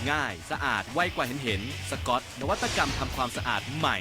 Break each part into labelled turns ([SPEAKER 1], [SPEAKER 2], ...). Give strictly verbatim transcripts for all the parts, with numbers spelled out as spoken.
[SPEAKER 1] ง่ายสะอาดไวกว่าเห็นเห็นสกอตนวัตกรรมทำความสะอาดใหม่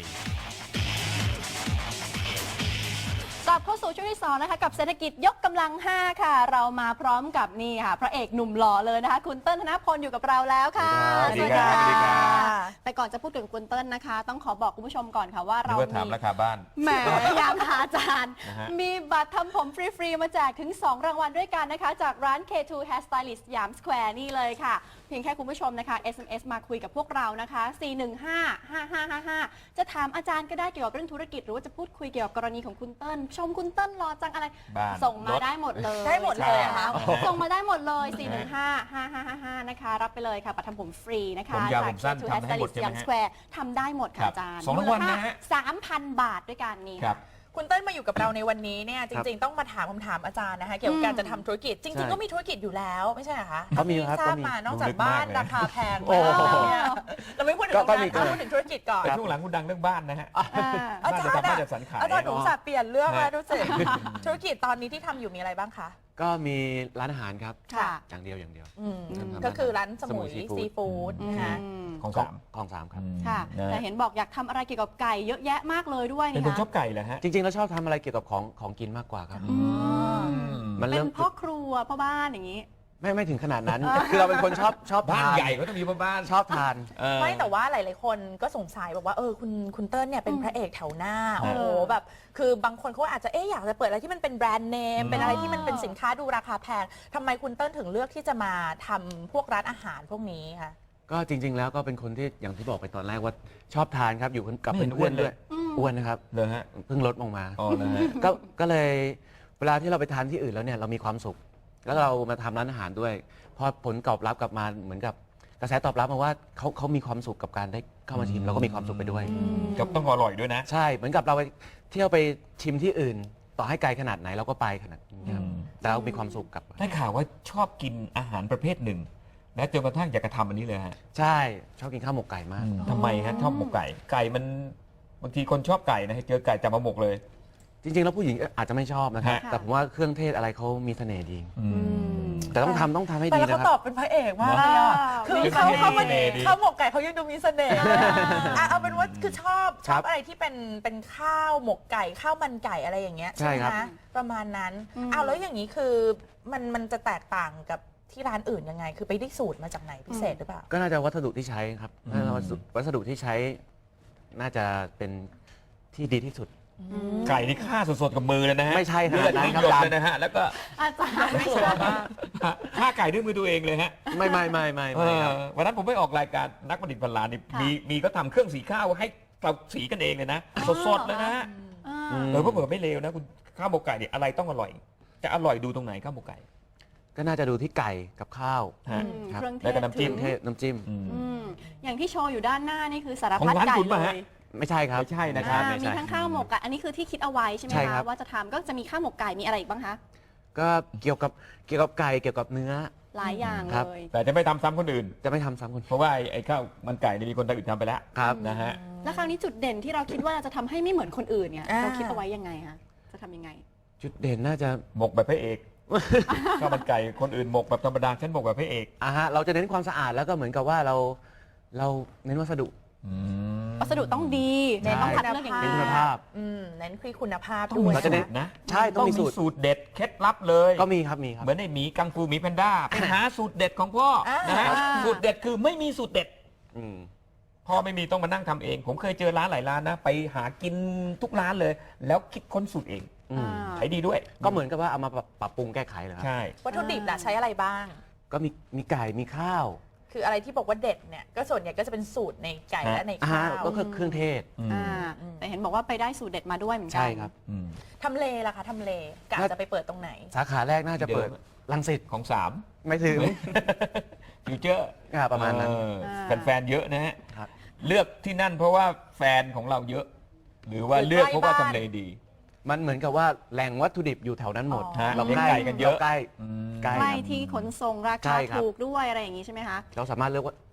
[SPEAKER 2] กลับเข้าสู่ช่วงที่สองนะคะกับเศรษฐกิจยกกำลังห้าค่ะเรามาพร้อมกับนี่ค่ะพระเอกหนุ่มหล่อเลยนะคะคุณเติ้ลธนพลอยู่กับเราแล้วค่ะ
[SPEAKER 3] สวัสดีครับ
[SPEAKER 2] แต่ก่อนจะพูดถึงคุณเติ้ลนะคะต้องขอบอกคุณผู้ชมก่อนค่ะว่าเรา
[SPEAKER 3] มีถามราคาบ้าน
[SPEAKER 2] แหมยามหาอาจารย์มีบัตรทำผมฟรีๆมาแจกถึงสองรางวัลด้วยกันนะคะจากร้าน เค ทู Hair Stylist ยามสแควร์นี่เลยค่ะเพียงแค่คุณผู้ชมนะคะ เอส เอ็ม เอส มาคุยกับพวกเรานะคะสี่หนึ่งห้า ห้าห้าห้าห้าจะถามอาจารย์ก็ได้เกี่ยวกับเรื่องธุรกิจหรือว่าจะพูดคุยเกี่ยวกับกรณีของคุณเติ้ลชมคุณเติ้ลรอจังอะไรส่งมาได้หมดเลย
[SPEAKER 4] ได้หมดเลยค่ะ
[SPEAKER 2] ส่งมาได้หมดเลยสี่หนึ่งห้า ห้าห้าห้าห้านะคะรับไปเลยค่ะบัตรทำผมฟรีนะคะ
[SPEAKER 3] ผมยาวผมสั้นทำให้หมดใช่ไหมฮะ
[SPEAKER 2] ทำได้หมดค่ะอาจารย์
[SPEAKER 3] สองรางวัลนะฮะ
[SPEAKER 2] สามพันบาทด้วยกันนี่
[SPEAKER 3] ครับ
[SPEAKER 4] คุณเต้นมาอยู่กับเราในวันนี้เนี่ยจริงๆต้องมาถามคำถามอาจารย์นะคะเกี่ยวกับการจะทำธุรกิจจริงๆก็มีธุรกิจอยู่แล้วไม่ใช่เหรอคะ
[SPEAKER 5] ก็มีครับ
[SPEAKER 4] ทราบมานอกจากบ้านราคาแพงแล้วเนี่ยเราไม่พูดถึงการพูดถึงธุรกิจก่อน
[SPEAKER 3] ช่วงหลังคุณดังเรื่องบ้านนะฮะ
[SPEAKER 4] อาจารย์อาจารย์หนูสับเปลี่ยนเรื่องแล้วดูสิธุรกิจตอนนี้ที่ทำอยู่มีอะไรบ้างคะ
[SPEAKER 5] ก็มีร้านอาหารครับ
[SPEAKER 4] ค่ะ
[SPEAKER 5] อย่างเดียวอย่างเดียว
[SPEAKER 4] ก็คือร้านสมุยซีฟู้ดนะคะ
[SPEAKER 3] ของสาม
[SPEAKER 5] ของสามครับ
[SPEAKER 2] ค่ะแต่เห็นบอกอยากทำอะไรเกี่ยวกับไก่เยอะแยะมากเลยด้วย
[SPEAKER 3] เป็นคนชอบไก่เหรอฮะ
[SPEAKER 5] จริงๆแล้วชอบทำอะไรเกี่ยวกับของของกินมากกว่าครับ
[SPEAKER 2] มันเป็นพ่อครัวพ่อบ้านอย่างนี้
[SPEAKER 5] ไม่ไม่ถึงขนาดนั้น คือเราเป็นคนชอบชอบ
[SPEAKER 3] บ้านใหญ่ก็ต้องมีบ้าน
[SPEAKER 5] ชอบทาน
[SPEAKER 4] ไม่แต่ว่าหลายๆคนก็สงสัยบอกว่าเออคุณคุณเติ้ลเนี่ยเป็นพระเอกแถวหน้าโอ้โหแบบคือบางคนเขาอาจจะเอ๊ะอยากจะเปิดอะไรที่มันเป็นแบรนด์เนมเป็นอะไรที่มันเป็นสินค้าดูราคาแพงทำไมคุณเติ้ลถึงเลือกที่จะมาทำพวกร้านอาหารพวกนี้คะ
[SPEAKER 5] ก็จริงๆแล้วก็เป็นคนที่อย่างที่บอกไปตอนแรกว่าชอบทานครับอยู่กับเพื่อนๆด้วยอ้วนนะครับ
[SPEAKER 3] เลยฮะ
[SPEAKER 5] เพิ่งลดลงมา
[SPEAKER 3] อ๋อเลย
[SPEAKER 5] ก็ก็เลยเวลาที่เราไปทานที่อื่นแล้วเนี่ยเรามีความสุขแล้วเรามาทำร้านอาหารด้วยพอผลตอบรับกลับมาเหมือนกับกระแสตอบรับมาว่าเขาเขามีความสุขกับการได้เข้ามาชิมเราก็มีความสุขไปด้วย
[SPEAKER 3] กับต้องอร่อยด้วยนะ
[SPEAKER 5] ใช่เหมือนกับเราไปเที่ยวไปชิมที่อื่นต่อให้ไกลขนาดไหนเราก็ไปขนาดนี้ครับแต่เรามีความสุขกับ
[SPEAKER 3] ได้ข่าวว่าชอบกินอาหารประเภทหนึ่งและจนกระทั่งอยากจะทำอันนี้เลยฮะ
[SPEAKER 5] ใช่ชอบกินข้าวหมกไก่มาก
[SPEAKER 3] ทำไมฮะชอบหมกไก่ไก่มันบางทีคนชอบไก่นะเจอไก่จับมาหมกเลย
[SPEAKER 5] จริงๆแล้วผู้หญิงอาจจะไม่ชอบนะครับแต่ผมว่าเครื่องเทศอะไรเขามีเสน่ห์ดีแต่ต้องทำต้องทำให้ดีนะครับ
[SPEAKER 4] แต่เขาตอบเป็นพระเอกมากเลยอ่ะคือเขาเขามันข้าวหมกไก่เขายังดูมีเสน่ห์อ่ะเอาเป็นว่าคือชอบชอบอะไรที่เป็นเป็นข้าวหมกไก่ข้าวมันไก่อะไรอย่างเงี้ยใช่ไหมประมาณนั้นอ้าวแล้วอย่างนี้คือมันมันจะแตกต่างกับที่ร้านอื่นยังไงคือไปได้สูตรมาจากไหนพิเศษหรือเปล่า
[SPEAKER 5] ก็น่าจะวัสดุที่ใช้ครับวัสดุที่ใช้น่าจะเป็นที่ดีที่สุด
[SPEAKER 3] ไก่ที่ฆ่าสดๆกับมือเลยนะฮะ
[SPEAKER 5] ไม่ใช่
[SPEAKER 3] เลือดนี่หยดเลยนะฮะแล้วก็
[SPEAKER 2] อาจารย์ไม่ชัวร์มาก
[SPEAKER 3] ฆ่าไก่ด้วยมือตัวเองเลยฮะ
[SPEAKER 5] ไม่ไม่ไม่ไม่
[SPEAKER 3] วันนั้นผมไปออกรายการนักประดิษฐ์พันล้านนี่มีมีก็ทำเครื่องสีข้าวให้เราสีกันเองเลยนะสดๆเลยนะฮะเออเผื่อไม่เลวนะคุณข้าวหมกไก่เนี่ยอะไรต้องอร่อยจะอร่อยดูตรงไหนข้าวหมกไก่
[SPEAKER 5] ก็น่าจะดูที่ไก่กับข้าว
[SPEAKER 3] แล้วก็น้ำจิ้ม
[SPEAKER 5] น้ำจิ้ม
[SPEAKER 2] อย่างที่โชว์อยู่ด้านหน้านี่คือสารพัดไก่เลย
[SPEAKER 5] ไม่ใช่ครับ
[SPEAKER 3] ไม่ใช่นะครับ
[SPEAKER 2] มีทั้งข้าวหมกไก่อันนี้คือที่คิดเอาไว้ใช่ไหมคะว่าจะทำก็จะมีข้าวหมกไก่มีอะไรอีกบ้างคะ
[SPEAKER 5] ก็เกี่ยวกับเกี่ยวกับไก่เกี่ยวกับเนื้อ
[SPEAKER 2] หลายอย่างเลย
[SPEAKER 3] แต่จะไม่ทำซ้ำคนอื่น
[SPEAKER 5] จะไม่ทำซ้ำคน
[SPEAKER 3] เพราะว่าไอ้ข้าวมันไก่มีคนอื่นทำไปแล้ว
[SPEAKER 5] ครับ
[SPEAKER 3] นะฮะ
[SPEAKER 2] แล้วคราวนี้จุดเด่นที่เราคิดว่าจะทำให้ไม่เหมือนคนอื่นเนี่ยเราคิดเอาไว้ยังไงคะจะทำยังไง
[SPEAKER 5] จุดเด่นน่าจะ
[SPEAKER 3] หมกแบบพระเอกข้าวมันไก่คนอื่นหมกแบบธรรมดาฉันหมกแบบพระเอก
[SPEAKER 5] อ่าฮะเราจะเน้นความสะอาดแล้วก็เหมือนกับว่าเราเราเน้นวัสดุ
[SPEAKER 2] วัสดุต้องดีเน้นต้องคัดเลือกอย่าง
[SPEAKER 5] คุณภาพ
[SPEAKER 4] เน้นคือคุณภาพ
[SPEAKER 3] ด้วย
[SPEAKER 5] เราจะเน้นนะใช่ต้องมี
[SPEAKER 3] สูตรเด็ดเคล็ดลับเลย
[SPEAKER 5] ก็มีครับมีครับ
[SPEAKER 3] เหมือนในหมีกังฟูหมีแพนด้าไปหาสูตรเด็ดของพ่อนะฮะสูตรเด็ดคือไม่มีสูตรเด็ดพ่อไม่มีต้องมานั่งทำเองผมเคยเจอร้านหลายร้านนะไปหากินทุกร้านเลยแล้วคิดค้นสูตรเองขายดีด้วย
[SPEAKER 5] ก็เหมือนกับว่าเอามาปรับปรุงแก้ไขเลยครับ
[SPEAKER 3] ใช่
[SPEAKER 4] วัตถุดิบล่ะใช้อะไรบ้าง
[SPEAKER 5] ก็มีมีไก่มีข้าว
[SPEAKER 4] คืออะไรที่บอกว่าเด็ดเนี่ยก็ส่วนใหญ่ก็จะเป็นสูตรในไก่และในข้าว
[SPEAKER 5] ก็คือเครื่องเทศ
[SPEAKER 2] แต่เห็นบอกว่าไปได้สูตรเด็ดมาด้วยเหมือนกัน
[SPEAKER 5] ใช่ครับ
[SPEAKER 4] ทำเลล่ะคะทำเลกะจะไปเปิดตรงไหน
[SPEAKER 5] สาขาแรกน่าจะเปิดรังสิต
[SPEAKER 3] ของสาม
[SPEAKER 5] ไม่ถึง
[SPEAKER 3] ฟิวเจอร์
[SPEAKER 5] ประมาณนั้น
[SPEAKER 3] แฟนๆเยอะนะฮะเลือกที่นั่นเพราะว่าแฟนของเราเยอะหรือว่าเลือกเพราะว่าทำเลดี
[SPEAKER 5] มันเหมือนกับว่าแหล่งวัตถุดิบอยู่แถวนั้นหมด
[SPEAKER 3] เราใกล้กันเยอะ
[SPEAKER 5] ใกล้
[SPEAKER 2] ใกล้ที่ขนส่งราคาถูกด้วยอะไรอย่างนี้ใช่ไหมคะ
[SPEAKER 5] เราสามารถเลือกว่า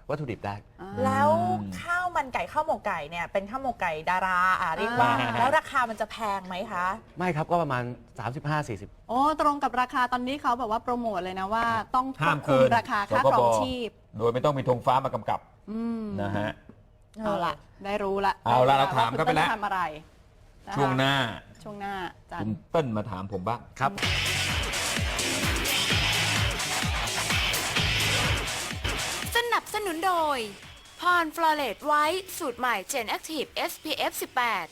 [SPEAKER 5] วัตถุดิบได้
[SPEAKER 4] แล้วข้าวมันไก่ข้าวหมกไก่เนี่ยเป็นข้าวหมกไก่ดาราอ่ะเรียกว่า
[SPEAKER 3] อ่า
[SPEAKER 4] แล้วราคามันจะแพงไหมคะ
[SPEAKER 5] ไม่ครับก็ประมาณ สามสิบห้าสี่สิบ
[SPEAKER 2] โอ้ตรงกับราคาตอนนี้เขาแบบว่าโปรโมทเลยนะว่าต้องคว
[SPEAKER 3] ห้าม
[SPEAKER 2] บคุ
[SPEAKER 3] เกิ
[SPEAKER 2] ม
[SPEAKER 3] น
[SPEAKER 2] ราคาค่าครองชีพ
[SPEAKER 3] โดยไม่ต้องมีธงฟ้ามากำกับ
[SPEAKER 2] อืม
[SPEAKER 3] นะฮะ
[SPEAKER 2] เอาละได้รู้ละ
[SPEAKER 3] เอาละ
[SPEAKER 2] ได้
[SPEAKER 3] เราถาม
[SPEAKER 2] ว่
[SPEAKER 3] เข้าไปแล้ว
[SPEAKER 2] คุณต้นทำอะไรนะคะ
[SPEAKER 3] ช่วงหน้า
[SPEAKER 2] ช่วงหน้าจั
[SPEAKER 3] คุ
[SPEAKER 2] น
[SPEAKER 3] ณเติ้ลมาถามผมบ้าง
[SPEAKER 5] ครับ
[SPEAKER 6] สนับสนุนโดยพรฟลอเรตไวท์สูตรใหม่ Gen Active เอส พี เอฟ สิบแปด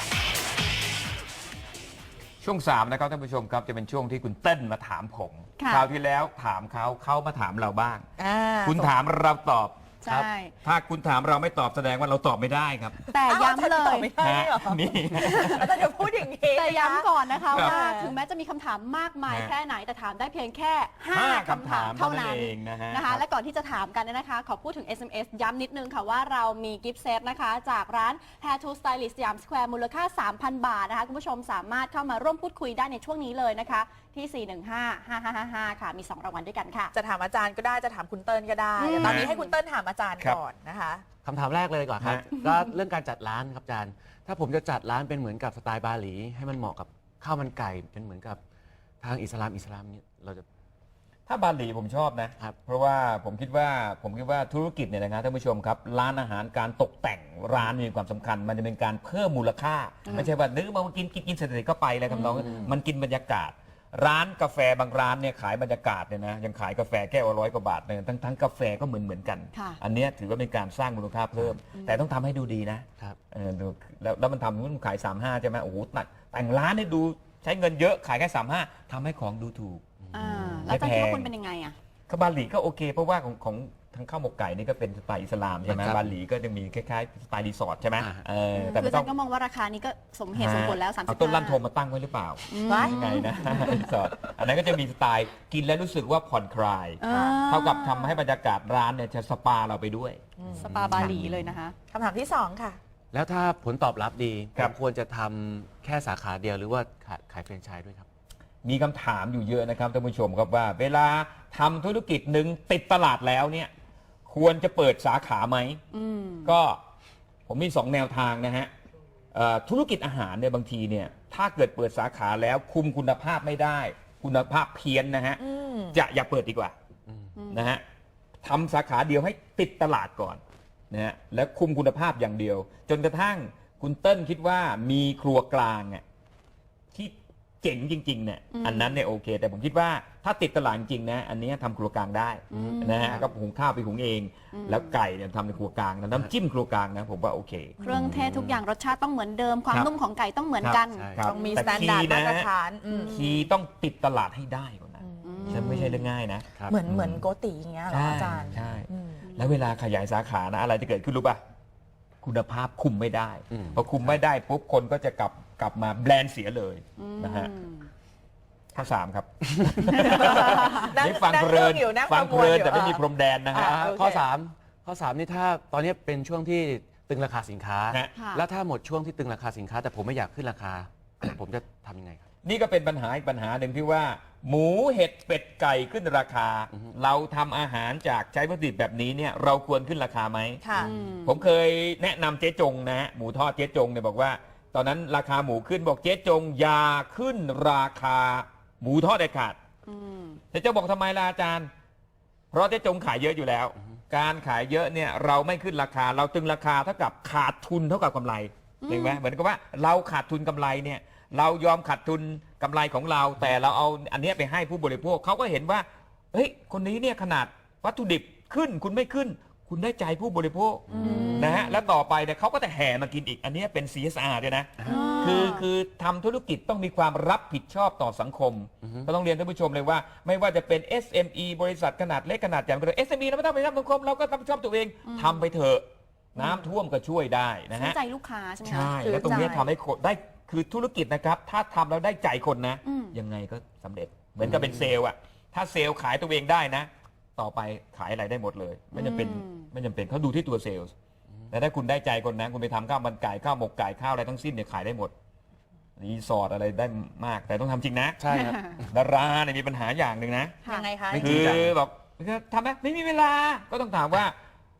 [SPEAKER 3] ช่วงสามนะครับท่านผู้ชมครับจะเป็นช่วงที่คุณเติ้ลมาถามผม
[SPEAKER 2] ค่ะ
[SPEAKER 3] คราวที่แล้วถามเขาเขามาถามเราบ้าง
[SPEAKER 4] อ่า
[SPEAKER 3] คุณถามเราตอบ
[SPEAKER 2] ใช่
[SPEAKER 3] ถ้าคุณถามเราไม่ตอบแสดงว่าเราตอบไม่ได้ครับ
[SPEAKER 2] แต่ย้ำเล
[SPEAKER 4] อ้าวย อาจารตอบไม่ได้เหรอ
[SPEAKER 3] นี่
[SPEAKER 4] อาจารย์จะพูดอย่างนี้
[SPEAKER 2] แต่ย้ำก่อนนะคะ
[SPEAKER 3] ครับ
[SPEAKER 2] ว่าถึงแม้จะมีคำถามมากมาย
[SPEAKER 3] ฮะ
[SPEAKER 2] แค่ไหนแต่ถามได้เพียงแค่
[SPEAKER 3] ห้า
[SPEAKER 2] ห้า
[SPEAKER 3] คำถาม
[SPEAKER 2] เท่านั้น
[SPEAKER 3] เท่านั้นเองนะฮะ
[SPEAKER 2] นะคะ และก่อนที่จะถามกันเนี่ยนะคะ ขอพูดถึง เอส เอ็ม เอส ย้ำนิดนึงค่ะว่าเรามีกิฟต์เซตนะคะ จากร้าน Hair to Stylist สยามสแควร์มูลค่า สามพัน บาทนะคะ คุณผู้ชมสามารถเข้ามาร่วมพูดคุยได้ในช่วงนี้เลยนะคะ ที่ สี่ หนึ่ง ห้า ห้า ห้า ห้า ห้า ค่ะมีสองรางวัลด้วยกันค่ะ
[SPEAKER 4] จะถามอาจารย์ก็ได้จะถามคุณเติ้ลก็ได้
[SPEAKER 2] อืม
[SPEAKER 4] เดี๋ยวตอนนี้ให้คุณเติ้ลถามอาจารย์
[SPEAKER 3] ครับ
[SPEAKER 4] ก่อนนะคะ
[SPEAKER 5] คำถามแรกเลยก่อนครับ
[SPEAKER 3] ฮะ
[SPEAKER 5] ก็เรื่องการจัดร้านครับอาจารย์ ถ้าผมจะจัดร้านเป็นเหมือนกับสไตล์บาหลี ให้มันเหมาะกับข้าวมันไก่เป็นเหมือนกับทางอิสลามอิสลามเนี่ยเราจะ
[SPEAKER 3] ถ้าบาหลีผมชอบนะ
[SPEAKER 5] ครับ
[SPEAKER 3] เพราะว่าผมคิดว่าผมคิดว่าธุรกิจเนี่ยนะครับท่านผู้ชมครับร้านอาหารการตกแต่งร้านมีความสำคัญ มันจะเป็นการเพิ่มมูลค่า ไม่ใช่ว่านึกมากินกินกินเสร็จๆก็ไปเลยครับน้องมันกินบรรยากาศ ร้านกาแฟบางร้านเนี่ยขายบรรยากาศเนี่ยนะยังขายกาแฟแก้วละร้อยกว่าบาทเนี่ยทั้งทั้งกาแฟก็เหมือนเหมือนกัน
[SPEAKER 2] ค่ะ
[SPEAKER 3] อันเนี้ยถือว่าเป็นการสร้างมูลค่าเพิ่ม แต่ต้องทำให้ดูดีนะครับ เออดูแล้วแล้วมันทำมันขายสามห้าใช่ไหมโอ้โหแต่แต่งร้านเนี่ยดูใช้เงินเยอะขายแค่สามห้าทำให้ของดูถูก
[SPEAKER 2] อ่าแล้วอาจารย์คิดว่าคุณเป็นยังไงอ่ะ
[SPEAKER 3] ข้าวบาหลีก็โอเค เพราะว่าของของทางข้าวหมกไก่นี่ก็เป็นสไตล์อิสลามใช่ไหม
[SPEAKER 5] ครับ
[SPEAKER 3] บาหลีก็จะมีคล้ายๆสไตล์รีสอร์ทใช่ไหม
[SPEAKER 5] อ่า
[SPEAKER 3] เออแต่
[SPEAKER 2] คือ
[SPEAKER 3] ไม่
[SPEAKER 2] อา
[SPEAKER 3] ต้
[SPEAKER 2] จา
[SPEAKER 3] อง
[SPEAKER 2] รย์ก็มองว่าราคานี้ก็สมเหตุสมผลแล้ว สามสิบ
[SPEAKER 3] เอาต้นลั่นโทมมาตั้งไว้หรือเปล่า
[SPEAKER 4] ว้าย
[SPEAKER 3] ยังไงนะ รีสอร์ทอันนั้นก็จะมีสไตล์กินแล้วรู้สึกว่าผ่อนคลาย
[SPEAKER 2] อ่า
[SPEAKER 3] เท่ากับทำให้บรรยากาศร้านเนี่ยจะสปาเราไปด้วย
[SPEAKER 2] สปาบาหลีเลยนะคะ
[SPEAKER 4] คำถามที่สองค่ะ
[SPEAKER 5] แล้วถ้าผลตอบรับดี
[SPEAKER 3] ครั
[SPEAKER 5] ผ
[SPEAKER 3] บ
[SPEAKER 5] มควรจะทำแค่สาขาเดียวหรือว่าขายขายแฟรนไชส์ด้วยครับ
[SPEAKER 3] มีคำถามอยู่เยอะนะครับท่านผู้ชมครับว่า เวลาทำธุรกิจหนึ่งติดตลาดแล้วเนี่ยควรจะเปิดสาขาไหม
[SPEAKER 2] อืม
[SPEAKER 3] ก็ผมมีสองแนวทางนะฮะเอ่อธุรกิจอาหารเนี่ยบางทีเนี่ยถ้าเกิดเปิดสาขาแล้วคุมคุณภาพไม่ได้ คุณภาพเพี้ยนนะฮะ
[SPEAKER 4] อืม
[SPEAKER 3] จะอย่าเปิดดีกว่านะฮะทำสาขาเดียวให้ติดตลาดก่อนนะฮะแล้วคุมคุณภาพอย่างเดียว จนกระทั่งคุณเติ้ลคิดว่ามีครัวกลางอ่ะที่เจ๋งจริงๆเนี่ยอันนั้นเนี่ยโอเค แต่ผมคิดว่าถ้าติดตลาดจริงๆนะอันนี้ทำครัวกลางได้นะฮะก็หุงข้าวไปหุงเอง แล้วไก่เนี่ยทำในครัวกลางนะน้ำจิ้มครัวกลางนะผมว่าโอเค
[SPEAKER 2] เครื่องเทศทุกอย่างรสชาติต้องเหมือนเดิม ความ
[SPEAKER 3] ครับ
[SPEAKER 2] นุ่มของไก่ต้องเหมือนกัน
[SPEAKER 5] ใช่
[SPEAKER 3] ครับ
[SPEAKER 4] ต้องมี
[SPEAKER 3] แต่
[SPEAKER 4] สแตนดาร์ด
[SPEAKER 3] คีย์
[SPEAKER 4] มา
[SPEAKER 3] นะ
[SPEAKER 4] ตรฐานอืม
[SPEAKER 3] คีย์ต้องติดตลาดให้ได้ก่อนนะฉันไม่ใช่เรื่องง่ายนะ
[SPEAKER 5] ครับ
[SPEAKER 4] เหมือนเหมือนโกติอย่างเงี้ยเหรออาจารย์
[SPEAKER 3] ใช่
[SPEAKER 4] อืม
[SPEAKER 3] แล้วเวลาขยายสาขานะอะไรจะเกิดขึ้นรู้ป่ะคุณภาพคุมไม่ได้
[SPEAKER 5] อืม
[SPEAKER 3] พอคุมไม่ได้ปุ๊บคนก็จะกลับกลับมาแบรนด์เสียเลยนะฮะข้อสามครับ
[SPEAKER 4] นั่ง
[SPEAKER 3] นี่ฟัง
[SPEAKER 4] นั่ง
[SPEAKER 3] เพลิน
[SPEAKER 4] อึ้งอยู่นั่ง
[SPEAKER 3] ฟัง
[SPEAKER 4] ประมวล
[SPEAKER 3] เพลิน
[SPEAKER 4] อยู่
[SPEAKER 3] แต่ไม่มี
[SPEAKER 4] อ่ะ
[SPEAKER 3] พรมแดนนะฮะ
[SPEAKER 4] อ่า โอเค
[SPEAKER 5] ข้อ 3 ข้อ 3 นี่ถ้าตอนนี้เป็นช่วงที่ตึงราคาสินค้า
[SPEAKER 3] ฮะ
[SPEAKER 2] ค่ะ
[SPEAKER 5] แล้วถ้าหมดช่วงที่ตึงราคาสินค้า แต่ผมไม่อยากขึ้นราคา ผมจะทำยังไงครับ
[SPEAKER 3] นี่ก็เป็นปัญหาอีกปัญหาหนึ่งที่ว่า หมูเห็ดเป็ดไก่ขึ้นราคา เราทำอาหารจากใช้วัตถุดิบแบบนี้เนี่ยเราควรขึ้นราคาไหม
[SPEAKER 4] ค่ะ
[SPEAKER 3] ผมเคยแนะนำเจ๊จงนะฮะหมูทอดเจ๊จงเนี่ยบอกว่า ตอนนั้นราคาหมูขึ้นบอกเจ๊จงอย่าขึ้นราคาหมูทอดเด็ดขาดเจ๊จงบอกทำไมล่ะอาจารย์ เพราะเจ๊จงขายเยอะอยู่แล้ว การขายเยอะเนี่ยเราไม่ขึ้นราคา เราตึงราคาเท่ากับขาดทุนเท่ากับกำไรเห็นไหมเหมือนกับว่าเราขาดทุนกำไรเนี่ยเรายอมขาดทุนกำไรของเรา แต่เราเอาอันเนี้ยไปให้ผู้บริโภคเขาก็เห็นว่าเฮ้ยคนนี้เนี่ยขนาดวัตถุดิบขึ้นคุณไม่ขึ้น คุณได้ใจผู้บริโภคนะฮะแล้วต่อไปเนี่ยเขาก็จะแห่มากินอีกอันเนี้ยเป็น ซี เอส อาร์ ด้วยนะ คือคือทำธุรกิจต้องมีความรับผิดชอบต่อสังคม ก็ต้องเรียนท่านผู้ชมเลยว่า ไม่ว่าจะเป็น เอส เอ็ม อี บริษัทขนาดเล็กขนาดใหญ่ก็เลย เอส เอ็ม อี เราไม่ต้องไปรับสังคมเราก็รับผิดชอบตัวเองทำไปเถอะน้ำท่วมก็ช่วยได้นะ
[SPEAKER 2] ซื้อ
[SPEAKER 3] ฮะ
[SPEAKER 2] ใจลูกค้าใช่ไหมคะ
[SPEAKER 3] ใช่แล้วตรงเนี้ยทำให้คนได้คือธุรกิจนะครับ ถ้าทำแล้วได้ใจคนนะ
[SPEAKER 2] อืม
[SPEAKER 3] ยังไงก็สำเร็จเหมือนกับเป็นเซลล์อะถ้าเซลล์ขายตัวเองได้นะ ต่อไปขายอะไรได้หมดเลยไม่จำเป็นไม่จำเป็นเขาดูที่ตัวเซลล์แต่ถ้าคุณได้ใจคนนะคุณไปทำข้าวมันไก่ข้าวหมกไก่ข้าวอะไรทั้งสิ้นเนี่ยขายได้หมดรีสอร์ทอะไรได้มากแต่ต้องทำจริงนะ
[SPEAKER 5] ใช่ครับ
[SPEAKER 3] ดาราเนี่ยมีปัญหาอย่างหนึ่งนะ
[SPEAKER 2] ค่ะ
[SPEAKER 4] ยังไงคะ
[SPEAKER 5] ไม่
[SPEAKER 3] คื
[SPEAKER 5] จริง
[SPEAKER 3] อ
[SPEAKER 5] จัง
[SPEAKER 3] แบบทำไหมไม่มีเวลาก็ต้องถามว่า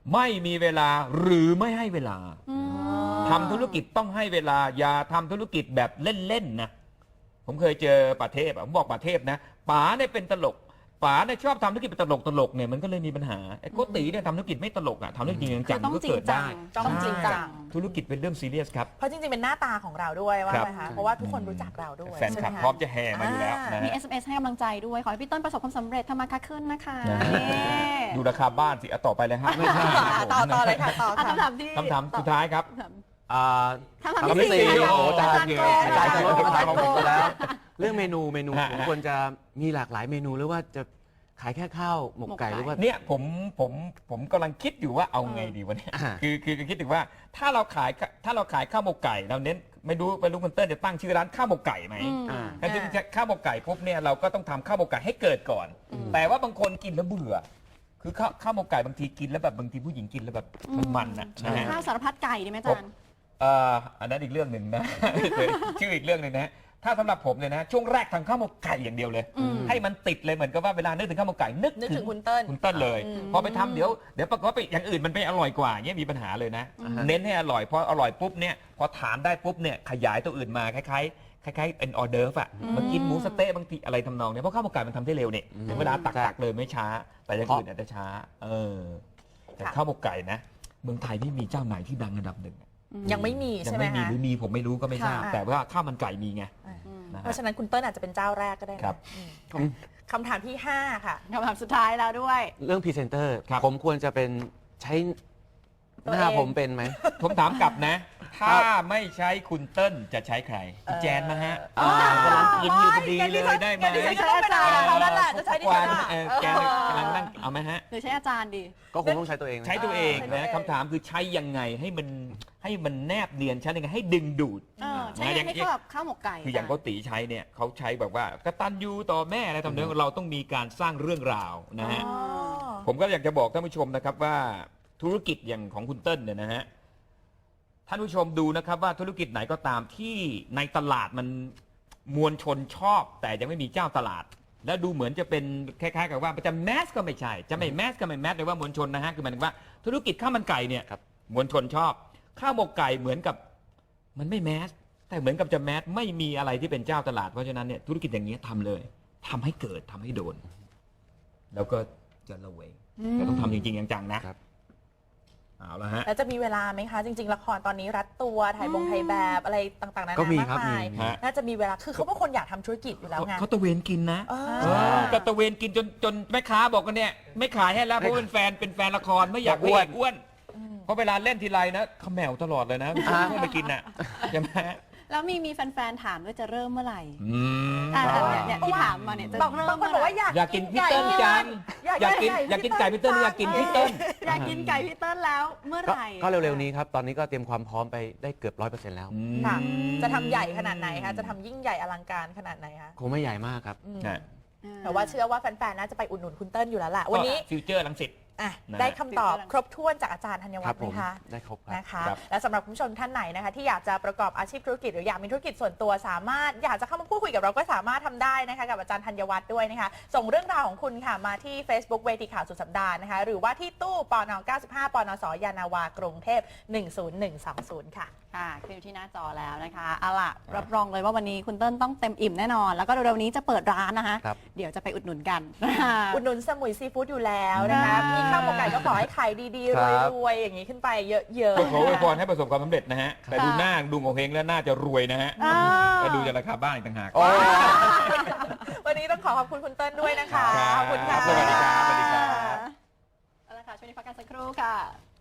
[SPEAKER 3] ไม่มีเวลาหรือไม่ให้เวลา
[SPEAKER 2] อืม
[SPEAKER 3] ทำธุรกิจต้องให้เวลาอย่าทำธุรกิจแบบเล่นๆนะผมเคยเจอป่าเทพอะผมบอกป่าเทพนะป๋าเนี่ยเป็นตลกป๋าเนี่ยชอบทำธุรกิจเป็นตลกตลกเนี่ยมันก็เลยมีปัญหาไอ้โกติเนี่ยทำธุรกิจไม่ตลกอ่ะทำธุรกิจจริง
[SPEAKER 2] คื
[SPEAKER 3] จั
[SPEAKER 2] อง ต้อง
[SPEAKER 3] ก็
[SPEAKER 2] จริง
[SPEAKER 3] เกิด
[SPEAKER 2] จั
[SPEAKER 3] ได้
[SPEAKER 2] ง
[SPEAKER 4] ต้องจริงจัง
[SPEAKER 3] ธุรกิจเป็นเรื่องซีเรียสครับ
[SPEAKER 4] เพราะจริงๆเป็นหน้าตาของเราด้วยว่า
[SPEAKER 3] ครับ
[SPEAKER 4] ไหมคะเพราะว่าทุกคนรู้จักเราด้วย
[SPEAKER 3] แฟนคลับ
[SPEAKER 4] ใช่ไห
[SPEAKER 3] พร้อมจะแห่มาอยู่แล้วนะ
[SPEAKER 2] มี
[SPEAKER 3] ฮะ
[SPEAKER 2] เอส เอ็ม เอส ให้กำลังใจด้วย ขอให้พี่ต้นประสบความสำเร็จทำมาค้าขึ้นนะคะ
[SPEAKER 3] นะ
[SPEAKER 2] นี่
[SPEAKER 3] ดูราคาบ้านสิเอาต่อไปเลยฮะไม่ใช่
[SPEAKER 4] ต่อต่อเลยค่ะต่อ
[SPEAKER 2] อ่ะ
[SPEAKER 4] ค่ะ
[SPEAKER 2] คำถามที่
[SPEAKER 3] คำถามสุดท้ายครับ
[SPEAKER 5] อ่า
[SPEAKER 2] คำถาม
[SPEAKER 5] คำที่
[SPEAKER 2] ที่
[SPEAKER 5] สี่
[SPEAKER 2] สี่ค่ะ
[SPEAKER 5] โอ้โห
[SPEAKER 2] อาจารย์โก
[SPEAKER 5] อาจารย์โก
[SPEAKER 2] ค่ะ
[SPEAKER 5] อาจารย์โกไปแล้ว เรื่องเมนูเมนู
[SPEAKER 3] ฮะ
[SPEAKER 5] ผมควรจะมีหลากหลายเมนูหรือว่าจะขายแค่ข้าวหมกไก่หรือว่า
[SPEAKER 3] เนี่ยผมผมผมกำลังคิดอยู่ว่าเอาไงดีวะเนี่ย
[SPEAKER 5] อ่า
[SPEAKER 3] คือคือคิดถึงว่าถ้าเราขายถ้าเราขายข้าวหมกไก่เราเน้นไม่รู้ไม่รู้คุณเติ้ลจะตั้งชื่อร้านข้าวหมกไก่ไหม
[SPEAKER 2] อืม
[SPEAKER 5] อ่า
[SPEAKER 3] ถ้าจะข้าวหมกไก่ปุ๊บเนี่ยเราก็ต้องทำข้าวหมกไก่ให้เกิดก่อน แต่ว่าบางคนกินแล้วเบื่อ คือข้าวข้าวหมกไก่บางทีกินแล้วแบบบางทีผู้หญิงกินแล้วแบบมันมันๆนะนะฮะ
[SPEAKER 2] ข้าวสารพัดไก่ดีไหมอาจารย์
[SPEAKER 3] เอ่ออันนั้นอีกเรื่องหนึ่งนะ ชื่ออีกเรื่องหนึ่งนะถ้าสำหรับผมเนี่ยนะช่วงแรกทำข้าวหมกไก่อย่างเดียวเลย
[SPEAKER 2] อืม
[SPEAKER 3] ให้มันติดเลยเหมือนกับว่าเวลานึกถึงข้าวหมกไก่นึก
[SPEAKER 4] นึกถึงคุณเติ้ล
[SPEAKER 3] คุณเติ้ลเลย
[SPEAKER 4] อืม
[SPEAKER 3] พอไปทำเดี๋ยวเดี๋ยวปรากฏว่าไปอย่างอื่นมันไปอร่อยกว่าเงี้ยมีปัญหาเลยนะ เน้นให้อร่อยพออร่อยปุ๊บเนี่ยพอถามได้ปุ๊บเนี่ยขยายตัวอื่นมาคล้ายๆคล้ายๆเป็นออเดิร์ฟอะมากินหมูสะเต๊ะบางทีอะไรทำนองเนี้ยเพราะข้าวหมกไก่มันทำได้เร็วเนี่ยถึงเวลาตักตักเลยไม่ช้า แต่อย่างอื่นอาจจะช้า เออแต่ข้าวหมกไก่นะเมืองไทยไม่มีเจ้าไหนที่ดังอันดับหนึ่ง
[SPEAKER 4] ยังไม่มี
[SPEAKER 3] ยั
[SPEAKER 4] ใช่ไหม
[SPEAKER 3] ไม่มี
[SPEAKER 4] คะ
[SPEAKER 3] หรือมีผมไม่รู้ก็ไม่ทราบ
[SPEAKER 4] ค่ะ
[SPEAKER 3] แต่ว่าข้าวมันไก่มีไง
[SPEAKER 4] อ่า
[SPEAKER 3] นะ
[SPEAKER 4] เพ
[SPEAKER 3] ฮะ
[SPEAKER 4] ราะฉะนั้นคุณเติ้ลอาจจะเป็นเจ้าแรกก็ได้นะครับ อืม
[SPEAKER 5] อืม
[SPEAKER 4] คำถามที่ห้าค่ะ
[SPEAKER 2] คำถามสุดท้ายแล้วด้วย
[SPEAKER 5] เรื่องพรีเซนเตอร์
[SPEAKER 3] ครับ
[SPEAKER 5] ผมควรจะเป็นใช้
[SPEAKER 4] ตัว
[SPEAKER 5] หน้า
[SPEAKER 4] เอง
[SPEAKER 5] ผมเป็นไหม
[SPEAKER 3] ผมถามกลับนะ ถ้าไม่ใช้คุณเติ้ลจะใช้ใครพี่แจนมาฮะ
[SPEAKER 5] อ่า
[SPEAKER 3] กำลังกินอยู่พอดีเลยได้ไหม
[SPEAKER 4] งั้นดิฉันจะต้องเป็นอะไรกับเขาแล้วล่ะจะใช้ดิฉันอ่ะ
[SPEAKER 3] เออแกกำลังนั่งเอาไหมฮะ
[SPEAKER 2] หรือใช้อาจารย์ดี
[SPEAKER 5] ก็คงต้องใช้ตัวเองนะ
[SPEAKER 3] ใช้ตัวเอง
[SPEAKER 4] ใช้ตัวเอ
[SPEAKER 3] นะ
[SPEAKER 4] ง
[SPEAKER 3] คำถามคือใช้ยังไงให้มันให้มันแนบเนียนใช้ยังไงให้ดึงดูด
[SPEAKER 2] เออใช้ยังไงให้เข้ากับข้าวหมกไก่
[SPEAKER 3] คืออย่างเขาตีใช้เนี่ยเขาใช้แบบว่ากตัญญูต่อแม่อะไรทำนองเราต้องมีการสร้างเรื่องราวนะฮะ
[SPEAKER 4] อ๋อ
[SPEAKER 3] ผมก็อยากจะบอกท่านผู้ชมนะครับว่าธุรกิจอย่างของคุณเติ้ลเนี่ยนะฮะท่านผู้ชมดูนะครับว่าธุรกิจไหนก็ตามที่ในตลาดมันมวลชนชอบ แต่ยังไม่มีเจ้าตลาด และดูเหมือนจะเป็นคล้ายๆกับว่าจะแมสก็ไม่ใช่จะไม่แมสก็ไม่แมสเลยว่ามวลชนนะฮะคือหมายถึงว่าธุรกิจข้าวมันไก่เนี่ย
[SPEAKER 5] ครับ
[SPEAKER 3] มวลชนชอบข้าวหมกไก่เหมือนกับมันไม่แมสแต่เหมือนกับจะแมสไม่มีอะไรที่เป็นเจ้าตลาดเพราะฉะนั้นเนี่ยธุรกิจอย่างนี้ยทำเลยทำให้เกิดทำให้โดน แล้วก็จะระเวงแต่ต้องทำจริงๆจังๆนะครับ เอาละฮะ
[SPEAKER 4] แล้วจะมีเวลาไหมคะ จริง ๆ ละครตอนนี้รัดตัวถ่ายบงถ่ายแบบอะไรต่างๆนานา
[SPEAKER 5] ก็มี
[SPEAKER 4] มาก
[SPEAKER 5] ครับ
[SPEAKER 4] มาย
[SPEAKER 5] มี
[SPEAKER 3] ฮะ
[SPEAKER 4] น่าจะมีเวลาคือเขาเป็นคนอยากทำธุรกิจอยู่แล้วไง
[SPEAKER 3] เขาตะเวนกินนะ
[SPEAKER 4] เออ
[SPEAKER 3] เออก็ตะเวนกินจนจนแม่ค้าบอกกันเนี่ยไม่ขายให้แล้วเพราะเป็นแฟนเป็นแฟนละครไม่อยาก
[SPEAKER 5] อ้วน
[SPEAKER 3] ให้อ้วนเพราะเวลาเล่นทีไรนะเขมแมวตลอดเลยนะไม่
[SPEAKER 5] อ่า
[SPEAKER 3] ชอบไปกินน่ะใช่ไหม
[SPEAKER 2] แล้วมีมีแฟนๆถามว่าจะเริ่มเมื่อไหร่
[SPEAKER 3] อืม
[SPEAKER 2] อ่าเนี่ยเนี่ยที่ถามมาเนี่ยจะ
[SPEAKER 4] บาง
[SPEAKER 2] เริ่ม
[SPEAKER 4] บางคน
[SPEAKER 2] เมื่
[SPEAKER 4] บอก
[SPEAKER 2] อไหร่
[SPEAKER 4] ว่าอยาก
[SPEAKER 3] อยากกินพี่เติ้ลจัง
[SPEAKER 4] อยาก
[SPEAKER 3] อยากกิน
[SPEAKER 4] อยาก
[SPEAKER 3] อยากกินไก่พี่เติ้ลหรืออยากกินพี่เติ้ล
[SPEAKER 2] อยากกินไก่พี่เติ้ลแล้วเมื่อ
[SPEAKER 5] ก็
[SPEAKER 2] ไหร่
[SPEAKER 5] ก็เร็วๆนี้ครับ ตอนนี้ก็เตรียมความพร้อมไปได้เกือบร้อยเปอร์เซ็นต์แล้ว
[SPEAKER 4] ค่ะ จะทำใหญ่ขนาดไหนคะจะทำยิ่งใหญ่อลังการขนาดไหนคะ
[SPEAKER 5] คงไม่ใหญ่มากครับ
[SPEAKER 4] อืม
[SPEAKER 3] ฮะ
[SPEAKER 4] แต่ว่าเชื่อว่าแฟนๆน่าจะไปอุดหนุนคุณเติ้ลอยู่แล้วล่ะวันนี้
[SPEAKER 3] ฟิวเจอร์ลังสิต
[SPEAKER 4] อ่ะ
[SPEAKER 3] นะ
[SPEAKER 4] ได้คำตอบครบถ้วนจากอาจารย์ธัญ
[SPEAKER 5] ค
[SPEAKER 4] วั
[SPEAKER 5] รั
[SPEAKER 4] ฒ
[SPEAKER 5] บ
[SPEAKER 4] น์ไห
[SPEAKER 5] ผม ม
[SPEAKER 4] คะ
[SPEAKER 5] ได้ครบครับ
[SPEAKER 4] นะคะ
[SPEAKER 3] ครับ
[SPEAKER 4] และสำหรับคุณผู้ชมท่านไหนนะคะที่อยากจะประกอบอาชีพธุรกิจหรืออยากมีธุรกิจส่วนตัวสามารถอยากจะเข้ามาพูดคุยกับเราก็สามารถทำได้นะคะกับอาจารย์ธัญวัฒน์ด้วยนะคะส่งเรื่องราวของคุณค่ะมาที่ Facebook เวทีข่าวสุดสัปดาห์นะคะหรือว่าที่ตู้ปนเก้าสิบห้าปนสยานาวากรุงเทพหนึ่งศูนย์หนึ่งสองศูนย์ค่ะ
[SPEAKER 2] ค่ะขึ้นอยู่ที่หน้าจอแล้วนะคะเอาล่ะรับรองเลยว่าวันนี้คุณเติ้ลต้องเต็มอิ่มแน่นอน แล้วก็เร็วๆนี้จะเปิดร้านนะคะ
[SPEAKER 5] ครับ
[SPEAKER 2] เดี๋ยวจะไปอุดหนุนกัน
[SPEAKER 4] อุดหนุนสมุยซีฟู้ดอยู่แล้วนะคะ
[SPEAKER 2] อ่ามี
[SPEAKER 4] มีข้าวหมกไก่ก็ขอให้ขายดีๆ
[SPEAKER 5] ครับ
[SPEAKER 4] รวยๆอย่างนี้ขึ้นไปเยอะ
[SPEAKER 3] ก็ขออวยพร
[SPEAKER 4] ๆ
[SPEAKER 3] ให้ประสบความสำเร็จนะฮะแต่ดูหน้าดูโงเฮงแล้วน่าจะรวยนะฮะ
[SPEAKER 2] อ่า
[SPEAKER 3] ก็ดูจากราคาบ้านอีกต่างหาก
[SPEAKER 4] วันนี้ต้องขอขอบคุณคุณเติ้ลด้วยนะคะ
[SPEAKER 3] ครับ
[SPEAKER 4] ขอบคุณค่ะ
[SPEAKER 3] สวัสดีครับสวัสดีครับ
[SPEAKER 2] เอาละค่ะช่วงนี้พักกันสักครู่ค่ะ